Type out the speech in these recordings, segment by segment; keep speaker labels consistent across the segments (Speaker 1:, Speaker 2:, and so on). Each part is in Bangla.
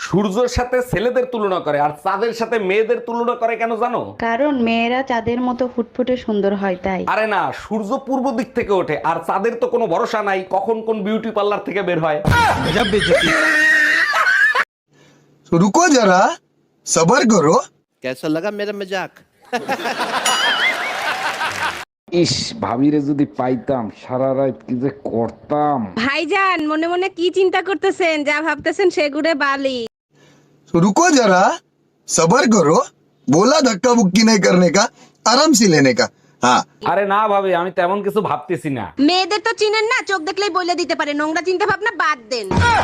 Speaker 1: সূর্যের সাথে ছেলেদের তুলনা করে আর চাঁদের সাথে মেয়েদের তুলনা করে কেন জানো?
Speaker 2: কারণ মেয়েরা চাঁদের মতো ফুটফুটে সুন্দর হয় তাই।
Speaker 1: আরে না, সূর্য পূর্ব দিক থেকে ওঠে আর চাঁদের তো কোনো ভরসা নাই কখন কোন বিউটি পার্লার থেকে বের হয়।
Speaker 3: तो रुको जरा सबर करो।
Speaker 4: कैसा लगा मेरा मजाक?
Speaker 1: ইস, ভাবিরে যদি পাইতাম সারা রাত কি যে করতাম।
Speaker 5: ভাইজান মনে মনে কি চিন্তা করতেছেন? যা ভাবতেছেন সেগুড়ে বালি।
Speaker 3: तो रुको जरा सबर करो। बोला धक्का बुक्की नहीं करने का, आराम से लेने का। हाँ
Speaker 1: আরে না ভাবি, আমি তেমন কিছু ভাবতেছি না।
Speaker 5: মেয়েদের তো চিনেন না, চোখ দেখলেই বলে দিতে পারে। নোংরা চিন্তা ভাবনা বাদ দেন।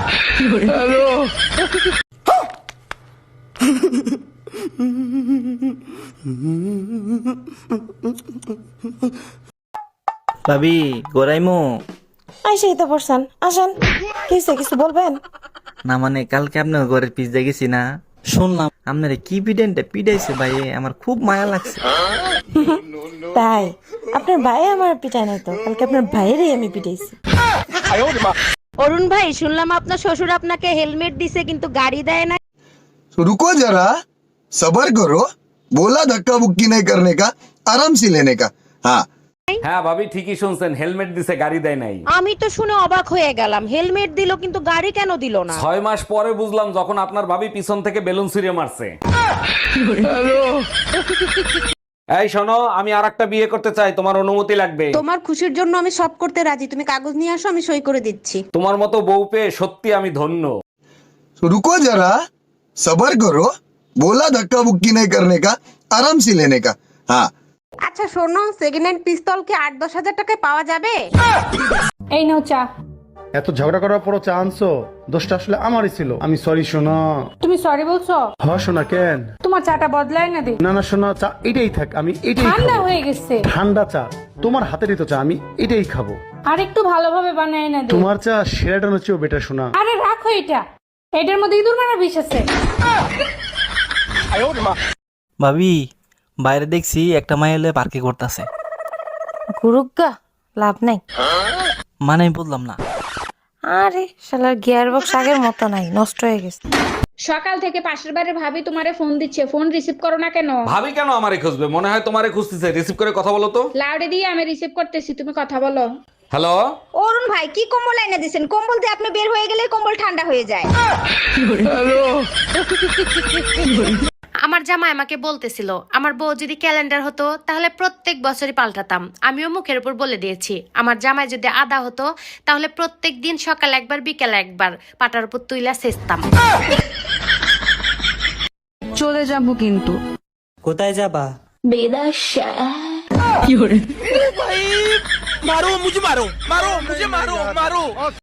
Speaker 6: ভাবি গোরাইমু
Speaker 7: আইসেই তো পড়ছেন, আসেন। কিছু বলবেন?
Speaker 6: না মানে কালকে আপনার ঘরের পিস দেখেছি না, শুনলাম আপনার কি পিডাইছে ভাই, আমার খুব মায়া লাগছে।
Speaker 7: তাই আপনার ভাই আমার পিটায় নাই তো, কালকে আপনার ভাইয়েরই আমি পিটাইছি।
Speaker 5: অরুণ ভাই, শুনলাম আপনার শ্বশুর আপনাকে হেলমেট দিছে কিন্তু গাড়ি দেয় না।
Speaker 3: तो रुको जरा सबर करो। बोला धक्का बुक्की नहीं करने का, आराम से लेने का। हाँ
Speaker 1: হ্যাঁ ভাবি, ঠিকই শুনছেন, হেলমেট দিছে গাড়ি দেয় নাই।
Speaker 5: আমি তো শুনে অবাক হয়ে গেলাম, হেলমেট দিল কিন্তু গাড়ি কেন দিল না?
Speaker 1: 6 মাস পরে বুঝলাম যখন আপনার ভাবি পিছন থেকে বেলুন ছুঁড়ে মারছে। এই শোনো, আমি আরেকটা বিয়ে করতে চাই, তোমার অনুমতি লাগবে।
Speaker 5: তোমার খুশির জন্য আমি সব করতে রাজি, তুমি কাগজ নিয়ে আসো, আমি সই করে দিচ্ছি।
Speaker 1: তোমার মতো বউ পেয়ে সত্যি আমি ধন্য।
Speaker 3: तो रुको जरा सबर करो। बोला धक्का बुक्की नहीं करने का, आराम से लेने का। हाँ
Speaker 5: আচ্ছা শোনো, সেকেন্ড হ্যান্ড পিস্তল কি 8-10 হাজার টাকায় পাওয়া যাবে?
Speaker 8: এই নাও চা।
Speaker 9: এত ঝগড়া করার পরও চা আনছো, দোষটা আসলে আমারই ছিল। আমি সরি সোনা।
Speaker 8: তুমি সরি বলছো?
Speaker 9: হ সোনা, কেন?
Speaker 8: তোমার চাটা বদলায় না দে।
Speaker 9: না না সোনা, চা এটাই থাক, আমি এটাই
Speaker 8: ঠান্ডা
Speaker 9: খাবো।
Speaker 8: হয়ে গেছে।
Speaker 9: ঠান্ডা চা? তোমার হাতেরই তো চা, আমি এটাই খাবো।
Speaker 8: আর একটু ভালোভাবে বানায় না দে।
Speaker 9: তোমার চা সেরাটানোর চেয়েও বেটার সোনা।
Speaker 8: আরে রাখো এটা, এটার মধ্যে ইঁদুর মারা বিষ আছে।
Speaker 6: ভাবি বাইরে দেখছি একটা মাই হলে পার্কে করতেছে।
Speaker 7: গুরুগা লাভ নাই।
Speaker 6: মানে আমি বললাম না।
Speaker 7: আরে শালার গিয়ার বক্স আগের মতো নাই, নষ্ট হয়ে গেছে।
Speaker 8: সকাল থেকে পাশের বাড়ির ভাবি তোমারে ফোন দিচ্ছে, ফোন রিসিভ করো না কেন?
Speaker 1: ভাবি কেন আমারে খুঁজবে? মনে হয় তোমারে খুঁজতেছে। রিসিভ করে কথা বলো তো।
Speaker 8: লাউডে দিয়ে আমি রিসিভ করতেছি, তুমি কথা বলো।
Speaker 1: হ্যালো,
Speaker 5: অরুণ ভাই, কি কম্বল এনে দিছেন? কম্বল দিয়ে আপনি বের হয়ে গেলে কম্বল ঠান্ডা হয়ে যায়।
Speaker 10: আমার জামাই আমাকে বলতেছিল আমার বউ যদি ক্যালেন্ডার হতো তাহলে প্রত্যেক বছরই পাল্টাতাম। আমিও মুখের উপর বলে দিয়েছি আমার জামাই যদি আদা হতো তাহলে প্রত্যেক দিন সকাল একবার বিকেল একবার পাটার উপর তুইলা সেচতাম।
Speaker 2: চলে যাবো কিন্তু।
Speaker 6: কোথায় যাবা?
Speaker 4: मारो मुझे, मारो मारो मुझे, मारो मारो।